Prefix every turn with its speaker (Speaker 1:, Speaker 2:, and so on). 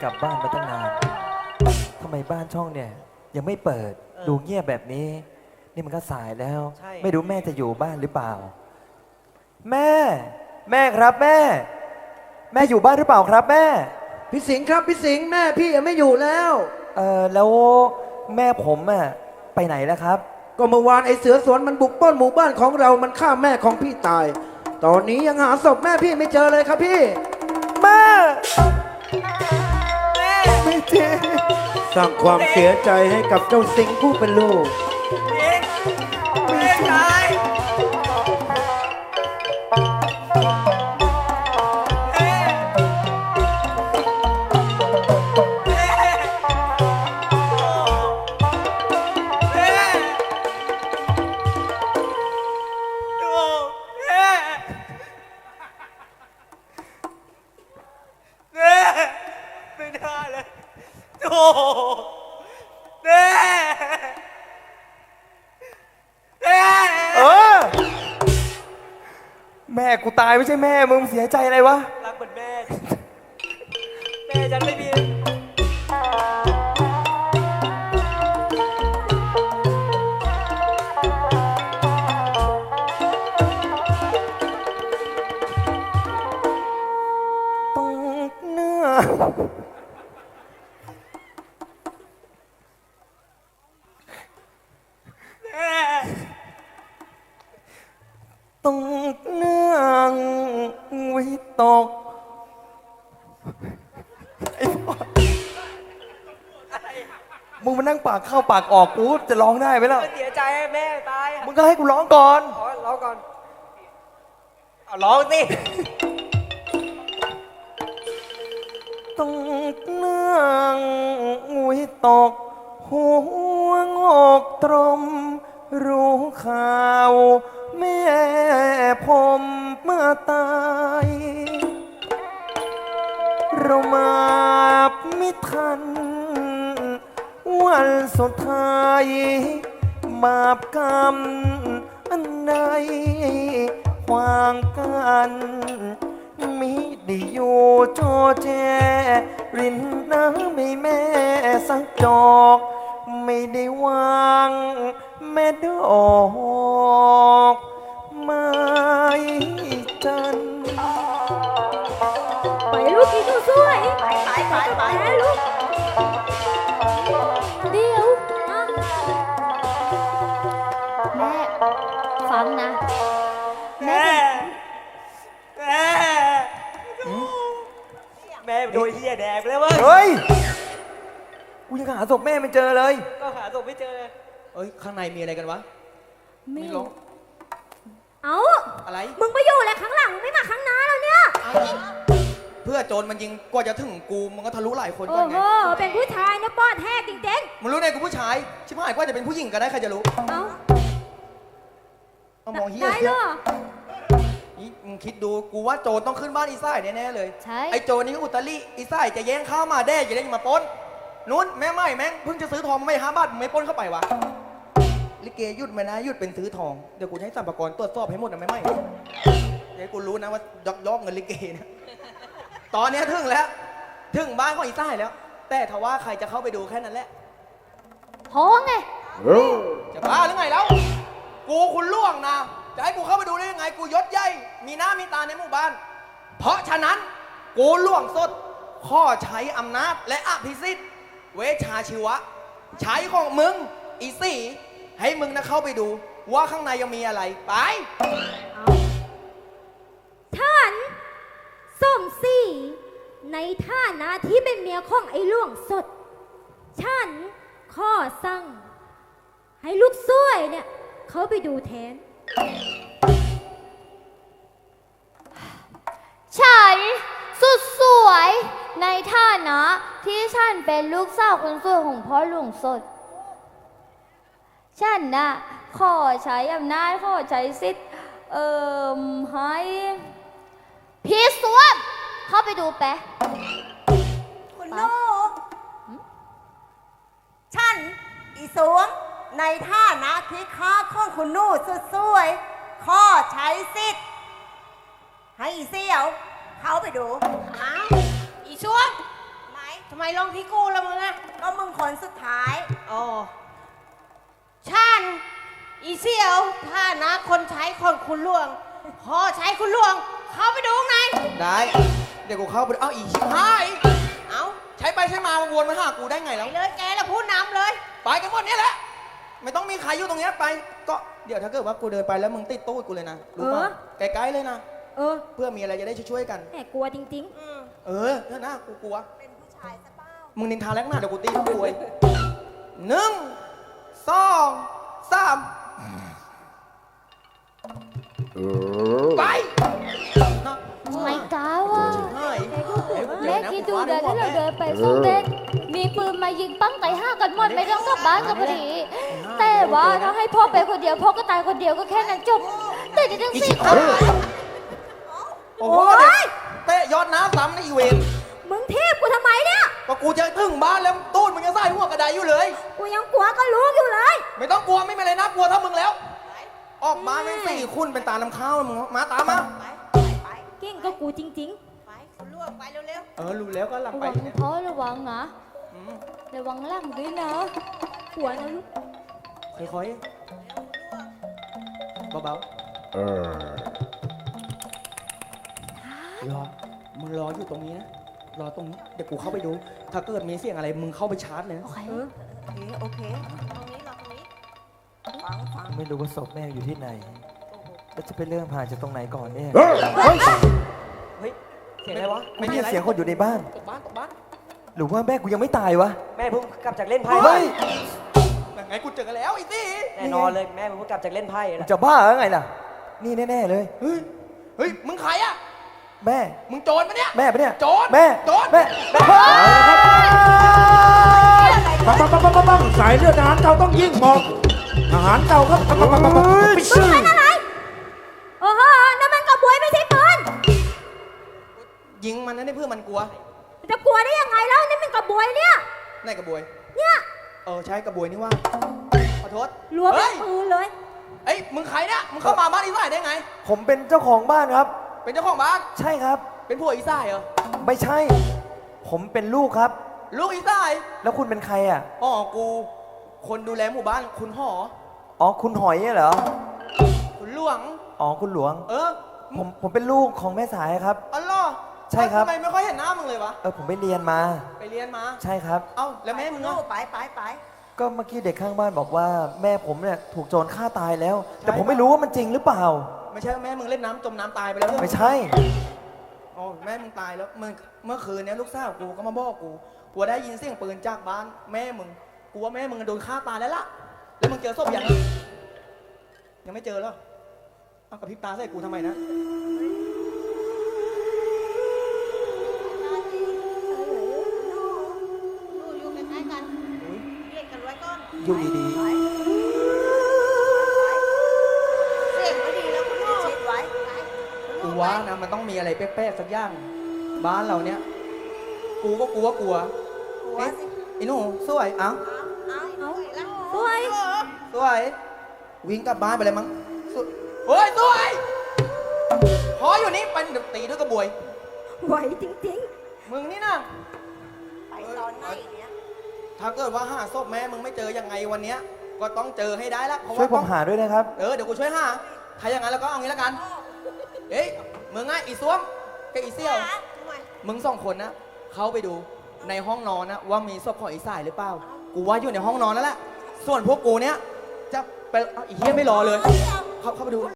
Speaker 1: กลับบ้านมาตั้งนานทำไมบ้านช่องเนี่ยยังไม่เปิดดูเงียบแบบนี้นี่มันก็สายแล้วไม่รู้แม่จะอยู่บ้านหรือเปล่าแม่แม่ครับแม่แม่อยู่บ้านหรือเปล่าครับแม่
Speaker 2: พี่สิงห์ครับพี่สิงห์แม่พี่ยังไม่อยู่แล้ว
Speaker 1: แล้วแม่ผมอะไปไหนแล้วครับ
Speaker 2: ก็เมื่อวานไอ้เสือสวนมันบุกปล้นหมู่บ้านของเรามันฆ่าแม่ของพี่ตายตอนนี้ยังหาศพแม่พี่ไม่เจอเลยครับพี่
Speaker 1: แม่ไม่จริง
Speaker 2: สร้างความเสียใจให้กับเจ้าสิงห์ผู้เป็นลูก
Speaker 1: ไม่ใช่แม่กูตายไม่ใช่แม่มึงเสียใจอะไรวะรักเหมือนแม่แม่ฉันไม่มีต้องเนื้อต้องเนื่องวิตกมึงมานั่งปากเข้าปากออกกูจะร้องได้ไหมล่ะ
Speaker 3: เสียใจแม่ตาย
Speaker 1: มึงก็ให้กูร้องก่อน
Speaker 3: ร้องก่อนเอาร้องสิ
Speaker 1: ต้องเนื่องวิตกหัวงอกตรมรู้ข่าวแม่ผมเมื่อตายเรามาไม่ทันวันสุดท้ายบาปกรรมอันใดขวางกันมิได้อยู่จอแจรินน้ำไม่แม่สักจอกไม่ได้วางแม่ดอกไม้จัน
Speaker 4: ไปลูกกินข้าวสวย
Speaker 3: ไป
Speaker 4: ลูกเดี๋ยวแม่ฟังนะ
Speaker 3: แม่โดนเหี้ยแดกเลยเว้ย
Speaker 1: เฮ้ยกูยังหาศพแม่ไม่เจอเลย
Speaker 3: ก็หาศพไม่เจอเลยข้างในมีอะไรกันวะ
Speaker 4: ไม่รู้เอา
Speaker 3: อะไร
Speaker 4: มึงไปอยู่อะไรข้างหลังไม่มาข้างหน้าแล้วเนี่ย
Speaker 3: เพื่อโจรมันยิงกว่าจะถึงกูมันก็ทะลุหลายคน
Speaker 4: ก่อนไงเป็นผู้ชายนะปอดแท้จริง
Speaker 3: ๆมึงรู้ไงกูผู้ชายชิบหายกว่าจะเป็นผู้หญิงก็ได้ใครจะรู้เอามองเฮีย
Speaker 4: ได้เหรอ
Speaker 3: นี่มึงคิดดูกูว่าโจรต้องขึ้นบ้านอีซ่ายแน่ๆเลย
Speaker 4: ใช่
Speaker 3: ไอ้โจรนี่ก็อุตริอีซ่ายจะแย่งข้าวมาแด้จะได้มาปล้นนู้นแม่ไม่แม่งเพิ่งจะซื้อทองไม่5 บาทมึงไม่ปล้นเข้าไปวะลิเกหยุดไหมนะหยุดเป็นซื้อทองเดี๋ยวกูให้สัมภาระตรวจสอบให้หมดนะไม่เดี๋ยวกูรู้นะว่ายอกเงินลิเกนะตอนนี้ถึงแล้วถึงบ้านของอีซ่ายแล้วแต่ถ้าว่าใครจะเข้าไปดูแค่นั้นแหละ
Speaker 4: พอไง
Speaker 3: จะบ้าหรือไงแล้วกูคุณล่วงนะจะให้กูเข้าไปดูได้ยังไงกูยศใหญ่มีหน้ามีตาในหมู่บ้านเพราะฉะนั้นกูล่วงสดข้อใช้อำนาจและอภิสิทธิ์เวชาชีวะใช้ของมึงอีสี่ให้มึงนะเข้าไปดูว่าข้างในยังมีอะไรไป
Speaker 4: ท่านสมศรีในฐานะที่เป็นเมียของไอ้ล่วงสดฉันข้อสั่งให้ลูกซ้วยเนี่ยเขาไปดูแทน
Speaker 5: ฉันสุดสวยในฐานะที่ฉันเป็นลูกสาวคนสวยของพ่อหลวงสดฉันน่ะขอใช้อำนาจขอใช้สิทธิ์ให้พี่สวมเข้าไปดูแปะ
Speaker 6: คุณลูกฉันอีสวงในฐานะที่ข้าของคุณนู่สุดสวยข้อใช้สิทธิ์ให้อีเสี่ยวเขาไปดู
Speaker 5: อีสวง
Speaker 6: ไหม
Speaker 7: ทำไมลงที่กูละมึงอะ
Speaker 6: ก็มึงคนสุดท้าย
Speaker 7: อ๋อชันอีเสี่ยวถ้านะคนใช้คนคุณหลวง พอใช้คุณหลวง เข้าไปดูข้างใน
Speaker 3: ได้ เดี๋ยวกูเข้าไปดูเอ้าอีชิบหาย
Speaker 7: เอา
Speaker 3: ใช้ไปใช้มาวนมาหากูได้ไง
Speaker 7: ไป
Speaker 3: แล้ว
Speaker 7: เลยแกละผู้นำเลย
Speaker 3: ไปกันหมดเนี่ยแหละ ไม่ต้องมีใครอยู่ตรงเนี้ยไป ก็เดี๋ยวถ้าเกิดว่ากูเดินไปแล้วมึงติดตู้กูเลยนะ รู้ป่ะไกลๆเลยนะ
Speaker 4: เออ
Speaker 3: เพื่อมีอะไรจะได้ช่วยๆกัน
Speaker 4: แหมกลัวจริง
Speaker 3: เออเถอะนะกูกลัว
Speaker 6: เป็นผู้ชายซะเปล่า
Speaker 3: มึงนินทาแรงหน้าเดี๋ยวกูตีมึงป่วย1 2 3ไปนะ
Speaker 5: ไม่กล้าว่ะ
Speaker 3: เฮ้ย
Speaker 5: แม่คิดดูเดี๋ยวถ้าเราเดินไปพวกเด็กมีปืนมายิงปั้งไต่ห้ากันหมดไม่ต้องกลับบ้านกันพอดี แต่ว่าถ้าให้พ่อไปคนเดียวพ่อก็ตายคนเดียวก็แค่นั้นจบ แต่นี่ทั้ง4 คน
Speaker 3: โอ้โหเด็กเตะยอดน้ำซ้ำในอีเวนต์
Speaker 4: ๆ มึงเทพกูทำไมเนี่ย
Speaker 3: ก็กูจะถึงบ้านแล้วตูดมึงจะใส่หัวกระไดอยู่เลย
Speaker 4: กูยังกลัวก็รู้อยู่เลย
Speaker 3: ไม่ต้องกลัวไม่มีอะไรน่ากลัวเท่ามึงแล้ว ออกบ้านเป็น4 คุณเป็นตาน้ำข้าวมึงมาตามมา
Speaker 6: ไป
Speaker 4: เก่งก็กูจริง
Speaker 6: ไปคุณล่วงไปเร็ว
Speaker 3: เออรู้แล้วก็หลัง
Speaker 5: ระ
Speaker 3: ไป
Speaker 5: วัง
Speaker 3: เนี่ย
Speaker 5: พ่อระวังนะ
Speaker 3: อืม
Speaker 5: ระวังหลังด้วยนะ
Speaker 4: ๆ หัวนะลูก
Speaker 3: ค่อยๆเบาๆรอมึงรออยู่ตรงนี้นะรอตรงนี้เดี๋ยวกูเข้าไปดู ถ้าเกิดมีเสียงอะไรมึงเข้าไปชาร์จเลยนะ
Speaker 5: โอเค
Speaker 6: ๆโอเคตรงนี้รอตรงนี้ฟัง
Speaker 1: ไม่รู้ว่าศพแม่อยู่ที่ไหนแล้วจะไปเริ่มผ่านจากตรงไหนก่อนเนี่ย
Speaker 3: เฮ้ยเสียงอะไรวะ
Speaker 1: ไม่ได้ยินเสียงคนอยู่ในบ้าน
Speaker 3: ตกบ้านตกบ้าน
Speaker 1: หรือว่าแม่กูยังไม่ตายวะ
Speaker 8: แม่เพิ่งกลับจากเล่นไพ่
Speaker 1: เฮ้ย
Speaker 3: ยังไงกูเจอกันแล้วไอ้ตี้
Speaker 8: แน่นอนเลยแม่เพิ่งกลับจากเล่นไพ่
Speaker 1: มึง
Speaker 8: นะ
Speaker 1: จะบ้าหรือไงล่ะ นี่แน่ๆเลย
Speaker 3: เฮ้ยเฮ้ยมึงใครอะ
Speaker 1: แม่
Speaker 3: มึงโจรปะเนี่ย
Speaker 1: แม่ปะเนี่ย
Speaker 3: โจร
Speaker 1: แม่
Speaker 3: โจร
Speaker 1: แม่
Speaker 2: ปังปังปังปังปังปังสายเลือดทหารเก่าต้องยิ่งหมอบทหารเก่าครับปังปังปังปังปังไปซื้อ
Speaker 4: โอ้โหนั่นมันกระบวยไม่ใช่ปืน
Speaker 3: ยิงมันนะนี่เพื่อมันกลัว
Speaker 4: จะกลัวได้ยังไงแล้วนี่มันกระบวยเนี่ย
Speaker 3: ไหนกระบวย
Speaker 4: เนี่ย
Speaker 3: ใช้กระบวยนี่ว่าขอโทษ
Speaker 4: รัวเป็
Speaker 3: เฮ้
Speaker 4: น
Speaker 3: ย
Speaker 4: ปืนเลย
Speaker 3: เอ้ยมึงใครเนี่ยมึงเข้ามาบ้านอีสายได้ไง
Speaker 1: ผมเป็นเจ้าของบ้านครับ
Speaker 3: เป็นเจ้าของบ้าน
Speaker 1: ใช่ครับ
Speaker 3: เป็นผัวอีสายเหรอ
Speaker 1: ไม่ใช่ ผมเป็นลูกครับ
Speaker 3: ลูกอีสาย
Speaker 1: แล้วคุณเป็นใครอ่ะ
Speaker 3: อ๋อกูคนดูแลหมู่บ้านคุณหอ
Speaker 1: อ๋อ คุณหอยเนี่ยเหรอ
Speaker 3: คุณหลวง
Speaker 1: อ๋อ คุณหลวง
Speaker 3: เออ
Speaker 1: ผมเป็นลูกของแม่สายครับ
Speaker 3: อ๋อเหรอ
Speaker 1: ใช่ครับ
Speaker 3: ทำไมไม่ค่อยเห็นหน้ามึงเลยวะ
Speaker 1: ผมไปเรียนมา
Speaker 3: ไปเรียนมา
Speaker 1: ใช่ครับ
Speaker 3: เอ้าแล้วแม่มึง
Speaker 6: ลู
Speaker 3: อะ
Speaker 6: กไป
Speaker 1: ก็เมื่อกี้เด็กข้างบ้านบอกว่าแม่ผมเนี่ยถูกโจรฆ่าตายแล้ว แต่ผมไม่รู้ว่ามันจริงหรือเปล่า
Speaker 3: ไม่ใช่ว่าแม่มึงเล่นน้ำจมน้ำตายไปแล้วเหรอ
Speaker 1: ไม่ใช่
Speaker 3: อ๋อแม่มึงตายแล้วเมื่อคืนเนี้ยลูกสาวกูก็มาบอกกูได้ยินเสียงปืนจากบ้านแม่มึงกูว่าแม่มึงโดนฆ่าตายแล้วล่ะแล้วมึงเจอศพยังไม่เจอเหรอเอากระพริบตาใส่กูทำไมนะ
Speaker 7: อยู่ใกล้ๆกันเรียกกันไว้ก่อน
Speaker 1: อยู่ดี
Speaker 7: เสียงก็ดีแล้วคุณพ่อ
Speaker 6: ชิดไว้
Speaker 3: กูว่านะมันต้องมีอะไรแปลกๆสักอย่างบ้านเราเนี้ยกูก็กลัว
Speaker 6: กลัว
Speaker 3: เอ๊ะ
Speaker 6: สิ
Speaker 3: ไอ้หนูสวยเอ้า
Speaker 6: เอา
Speaker 4: สวย
Speaker 3: สวยวิ่งกลับบ้านไปเลยมั้งสวยเฮ้ยสวยพออยู่นี่ไปเดี๋ยวตีด้วยกระบวย
Speaker 4: ไหวจริง
Speaker 3: มึงนี่นะ
Speaker 6: ไปตอนไหนเนี่ย
Speaker 3: ถ้าเกิดว่าหาศพแม่มึงไม่เจอยังไงวันเนี้ยก็ต้องเจอให้ได้ละเพราะ
Speaker 1: ๆ ช่วยผม
Speaker 3: ต้อง
Speaker 1: หาด้วยนะครับ
Speaker 3: เดี๋ยวกูช่วยหาถ้าอย่างนั้นแล้วก็เอางี้แล้วกัน เอ้ยมึงไงอีซ้วมกับอีเซี่ยว มึงสองคนนะเข้าไปดูในห้องนอนนะว่ามีศพของอีสายหรือเปล่า กูว่าอยู่ในห้องนอนแล้วแหละ ส่วนพวกกูเนี้ยจะไปเอาอีเฮียไม่รอเลย เข้าไปดู